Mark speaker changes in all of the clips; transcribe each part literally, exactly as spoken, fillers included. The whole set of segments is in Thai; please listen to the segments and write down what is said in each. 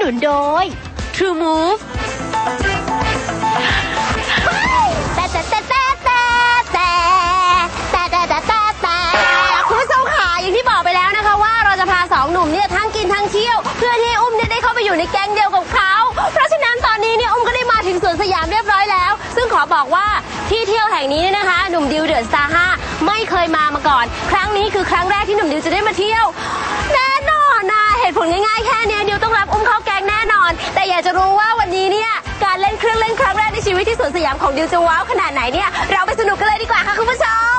Speaker 1: นุนโดย True Move แต่แต่แต่แต่แต่แต่แต่แต่แต่แต่แต่คุณผู้ชมค่ะอย่างที่บอกไปแล้วนะคะว่าเราจะพาสองหนุ่มเนี่ยทั้งกินทั้งเที่ยวเพื่อที่อุ้มเนี่ยได้เข้าไปอยู่ในแก๊งเดียวกับเขาเพราะฉะนั้นตอนนี้เนี่ยอุ้มก็ได้มาถึงสวนสยามเรียบร้อยแล้วซึ่งขอบอกว่าที่เที่ยวแห่งนี้เนี่ยนะคะหนุ่มดิวเดอะสตาร์ห้าไม่เคยมามาก่อนครั้งนี้คือครั้งแรกที่หนุ่มดิวจะได้มาเที่ยวแน่นอนนะเหตุผลง่ายๆแค่นี้ดิวต้องรับอุ้มเข้าแก๊งแน่นอนแต่อยากจะรู้ว่าวันนี้เนี่ยการเล่นเครื่องเล่นครั้งแรกในชีวิตที่สวนสยามของดิวจะว้าวขนาดไหนเนี่ยเราไปสนุกกันเลยดีกว่าค่ะคุณผู้ชม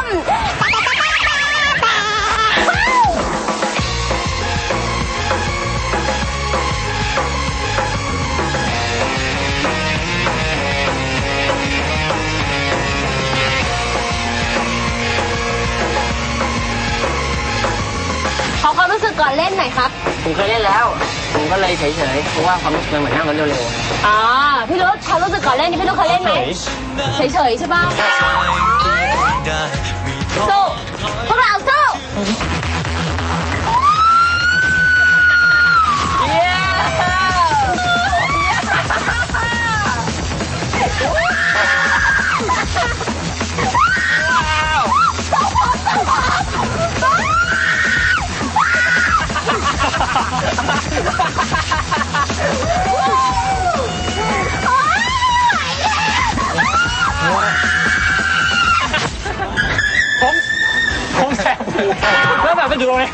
Speaker 1: ขอความรู้สึกก่อนเล่นหน่อยครับ
Speaker 2: ผมเคยเล่นแล้วผมก็เลยเฉยๆเพราะว่าความรู้สึกเหมือนนั่งรถเร็ว
Speaker 1: ๆอ๋อพี่รุธความรู้สึกก่อนเล่นนี่พี่รุธเคยเล่นไหมเฉยๆใช่ป่ะสู้พวกเราสู้
Speaker 3: ผมผมแสบหูแล้วแบบไม่ดูเลย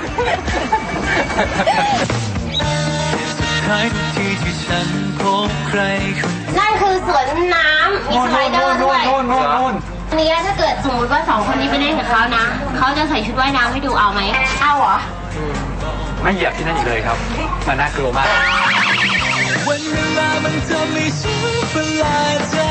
Speaker 1: นั่นคือสวนน้ำมีสไลเดอร์ด้วยนี่ถ้าเกิดสมมติว่าสองคนนี้ไปเล่นกับเขานะเขาจะใส่ชุดว่ายน้ำให้ดูเอาไหมเอาเหรอ
Speaker 3: ไม่เหยียบที่นั่นอีกเลยครับมันน่ากลัวมากวันเวลามันทำให้ฉันประหลาดใจ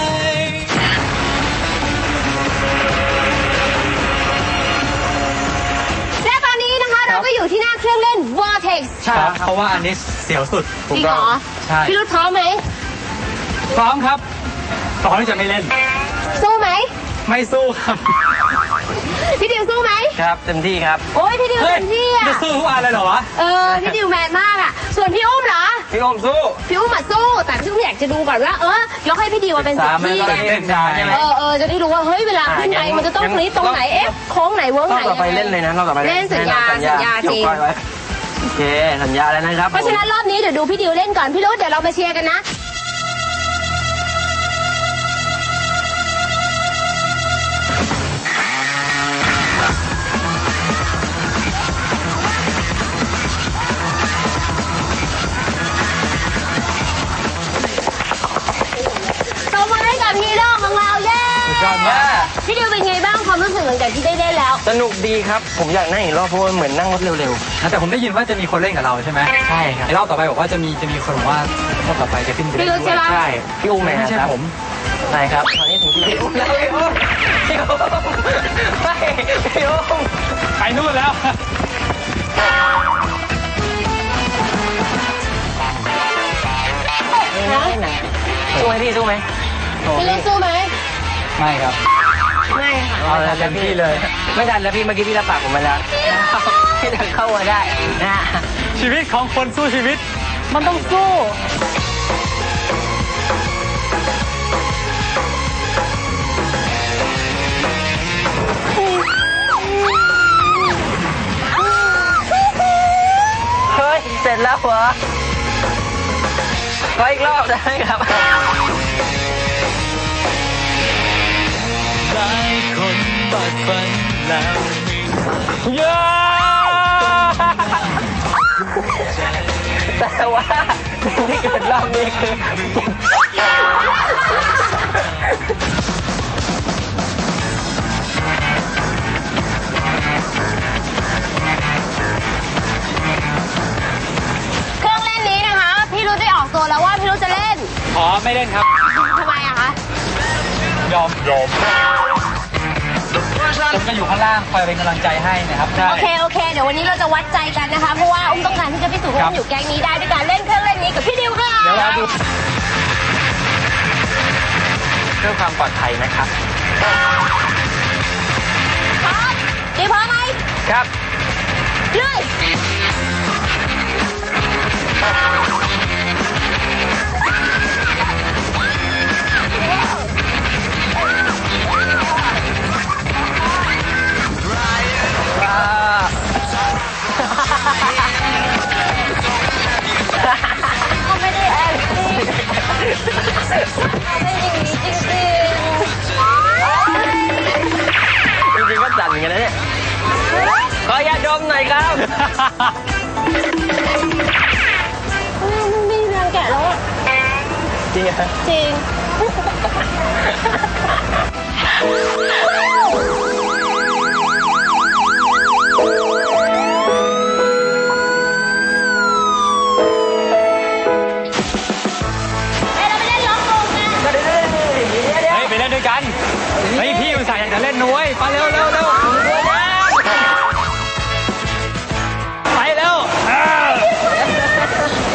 Speaker 1: และตอนนี้นะคะเราก็อยู่ที่หน้าเครื่องเล่น Vortex
Speaker 3: ใช่เพราะว่าอันนี้เสียวสุด
Speaker 1: จริงเหรอ
Speaker 3: ใช่
Speaker 1: พี่รุธพร้อมไหม
Speaker 3: พร้อมครับตอนที่จะไม่เล่น
Speaker 1: สู้ไหม
Speaker 3: ไม่สู้ครับ
Speaker 1: พี่ดิวสู้ไหม
Speaker 2: ครับเต็มที่ครับ
Speaker 1: โอ้ยพี่ดิวเต็มที่อ่ะ
Speaker 3: จะสู้ทุกอันเลยเหรอวะ
Speaker 1: เออพี่ดิวแมนมากอ่ะส่วนพี่อุ้มเหรอ
Speaker 2: พี่อุ้มสู้
Speaker 1: พี่อุ้มมาสู้แต่พี่อุ้มอยากจะดูก่อนว่าเออยกให้พี่ดิวมาเป็นสิบที่เออเออจะได้รู้ว่าเฮ้ยเวลาขึ้นไปมันจะต้องคลิกตรงไหนเอ๊ะโค้งไหนเวิร์กไหน
Speaker 2: ต่อไปเล่นเลยนะเราต่อไป
Speaker 1: เล่นสัญญาสัญญาจริง
Speaker 2: โอเคสัญญาแล้วนะครับ
Speaker 1: เพราะฉะนั้นรอบนี้เดี๋ยวดูพี่ดิวเล่นก่อนพี่รุธเดี๋ยวเรามาเชียร์กันนะฮีโร่ของเราเย้พี่ดิวเป็นไงบ้างความรู้สึกหลังจากที่ได้เล่นแล้ว
Speaker 2: สนุกดีครับผมอยากนั่งอีกรอบเพราะว่าเหมือนนั่งรถเร็ว
Speaker 3: ๆแต่ผมได้ยินว่าจะมีคนเล่นกับเราใช่ไหม
Speaker 2: ใช่ครับ
Speaker 3: ไอ้รอบต่อไปบอกว่าจะมีจะมีคนบอกว่ารอบต่อไปจะขึ้นไป
Speaker 1: พี่ดิวใช่ไหม
Speaker 2: ใช่พี่อุ้มไม่
Speaker 3: ใช่ผม
Speaker 2: ใช่ครับตอนนี้ถึงที่พี่อุ้มแล้วพี่อุ้มพี่อุ้มไม่พี่อุ้ม
Speaker 3: ไปนู่นแล้ว
Speaker 2: สู้ไหมพี่สู้ไหม
Speaker 1: พี่ดิวสู้ไหม
Speaker 3: ไม่ครับ
Speaker 1: ไม่ค่ะ
Speaker 2: เอาแล้วเต็มที่เลยไม่ทันแล้วพี่เมื่อกี้พี่รับปากผมมาแล้วพี่ทันเข้ามาได้นะ
Speaker 3: ชีวิตของคนสู้ชีวิตมันต้องสู้
Speaker 2: เฮ้ยเสร็จแล้วเหรอขออีกรอบได้ครับหลายคนบัดฝันแล้วเยอะแต่ว่าที่เกิดรอบนี้คือ
Speaker 1: เครื่องเล่นนี้นะคะพี่รุธได้ออกตัวแล้วว่าพี่รุธจะเล่น
Speaker 3: อ๋อไม่เล่นครับ
Speaker 1: ทำไมอะคะ
Speaker 3: ยอมยอมผมก็อยู่ข้างล่างคอยเป็นกำลังใจให้นะครับ
Speaker 1: โอเคโอเคเดี๋ยววันนี้เราจะวัดใจกันนะคะเพราะว่าอุ้มต้องการที่จะพิสูจน์ว่าอุ้มอยู่แก๊งนี้ได้ด้วยการเล่นเครื่องเล่นนี้กับพี่ดิวค่ะ
Speaker 3: เดี๋ยวเราดู
Speaker 2: เพื่อความปลอดภัยนะครับ
Speaker 1: พร้อมดิวพร้อมไหม
Speaker 2: ครับ
Speaker 1: เลยเป็นอย่างนี้จริง
Speaker 2: จริงๆก็สั่นเหมือนกันนะเนี่ยขอยาดมหน่อยครับ
Speaker 1: ๆไม่มีแรงแกะแล้วอะ
Speaker 2: จริงเหรอ
Speaker 1: จริง
Speaker 3: เฮ้ยไปเล่นด้วยกันเฮ้ยพี่มันสายอยากจะเล่นนุ้ยไปเร็วเร็วเร็วไปเร็วเออ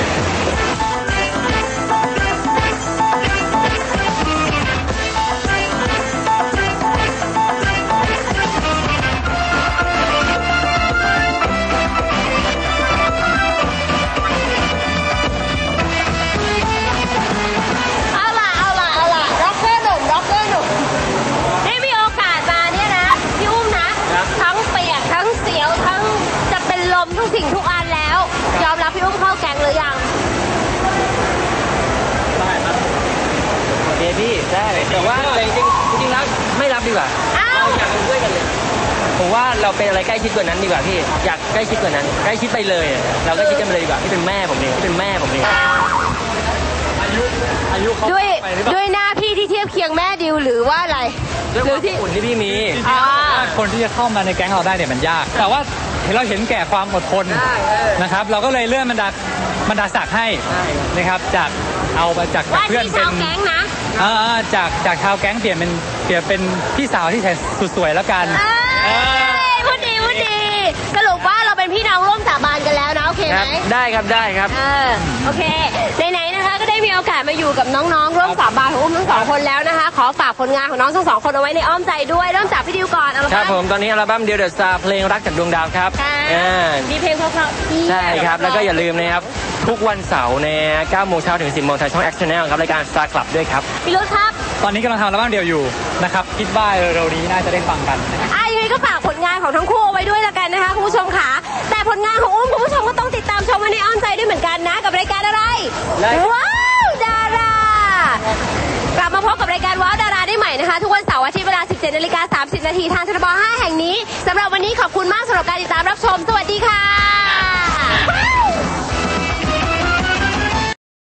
Speaker 1: เอาล่ะเอาล่ะเอาล่ะร็อกเกอร์หนุ่มร็อกเกอร์หนุ่มได้มีโอกาสมาเนี่ยนะพี่อุ้มนะทั้งเปียกทั้งเสียวทั้งจะเป็นลมทุกสิ่งทุกอันแล้ว ยอมรับพี่อุ้มเข้าแก๊งหรือยัง
Speaker 2: โอเคพี่ได้แต่ว่าจริงๆจริงๆแล้วไม่รับดีกว่า
Speaker 1: อ้าว
Speaker 2: อยากเป็นเพื่อนกันเลยผมว่าเราเป็นอะไรใกล้ชิดกว่านั้นดีกว่าพี่อยากใกล้ชิดกว่านั้นใกล้ชิดไปเลยอะเราใกล้ชิดกันไปเลยดีกว่าที่เป็นแม่ผมเองที่เป็นแม่ผมเอง
Speaker 3: อายุอายุเขา
Speaker 1: ด้วย
Speaker 3: ไปหรือเปล่า
Speaker 1: ด้วยหน้าพี่ที่เทียบเคียงแม่ดิวหรือว่าอะไร
Speaker 2: ด้วยความอบอุ่นที่พี่มี
Speaker 3: จริงๆแล้วคนที่จะเข้ามาในแก๊งเราได้เนี่ยมันยาก แต่ว่าเห็นเราเห็นแก่ความอดทน
Speaker 2: ใช่เออ
Speaker 3: นะครับ เราก็เลยเลื่อนบรรดาบรรดาศักดิ์ให้
Speaker 2: ใช่
Speaker 3: นะครับจากเอามาจากจาก
Speaker 1: ว่า
Speaker 3: เพื่อน
Speaker 1: ที่
Speaker 3: เป็
Speaker 1: ชาน วแก๊งนะ
Speaker 3: อ่าจากจากชาวแก๊งเปลี่ยนเป็นเปลี่ยนเป็นพี่สาวที่แสนสุดสวยแล้วกัน
Speaker 1: เอ้ยพูดดีพูดดี สรุปว่าเราเป็นพี่น้องร่วมสาบานกันแล้วนะโอเค
Speaker 2: ค
Speaker 1: ไหม
Speaker 2: รับได้ครับได้ครับ
Speaker 1: เออโอเคไหนๆนะคะ ก็ได้มีโอกาสมาอยู่กับน้องๆร่วมสาบานของอุ้มทั้งสองคนแล้วนะคะ ขอฝากผลงานของน้องทั้งสองคนเอาไว้ในอ้อมใจด้วยเริ่มจากพี่ดิวก่อนเอาละ
Speaker 2: ครับผมตอนนี้อัลบั้มเดียวเดอะสตาร์เพลงรักจากดวงดาวครับ
Speaker 1: ค่ะ
Speaker 2: อ่า
Speaker 1: มีเพลงเพราะๆที่
Speaker 2: ใช่ครับแล้วก็อย่าลืมนะครับทุกวันเสาร์ในเก้าโมงเช้าถึงสิบโมงทางช่อง Action Channel ครับรายการ Star Club ด้วยครับ
Speaker 1: พี่รุธครับ
Speaker 3: ตอนนี้กำลังทำอัลบั้มเดียวอยู่นะครับคิดว่าเร็วๆนี้น่าจะได้ฟังกันนะครับ
Speaker 1: อ่ะยังไงก็ฝากผลงานของทั้งคู่เอาไว้ด้วยละกันนะคะคุณผู้ชมค่ะแต่ผลงานของอุ้มคุณผู้ชมก็ต้องติดตามชมไว้ในอ้อมใจด้วยเหมือนกันนะกับรายการอะไร
Speaker 2: ได้ครับ
Speaker 1: ว้าวดารากลับมาพบกับรายการว้าวดาราได้ใหม่นะคะทุกวันเสาร์อาทิตย์เวลา สิบเจ็ดนาฬิกาสามสิบนาทีทางทบห้าแห่งนี้สำหรับวันนี้ขอบคุณมากสำหรับการติดตามรับชมสวัสดีค่ะ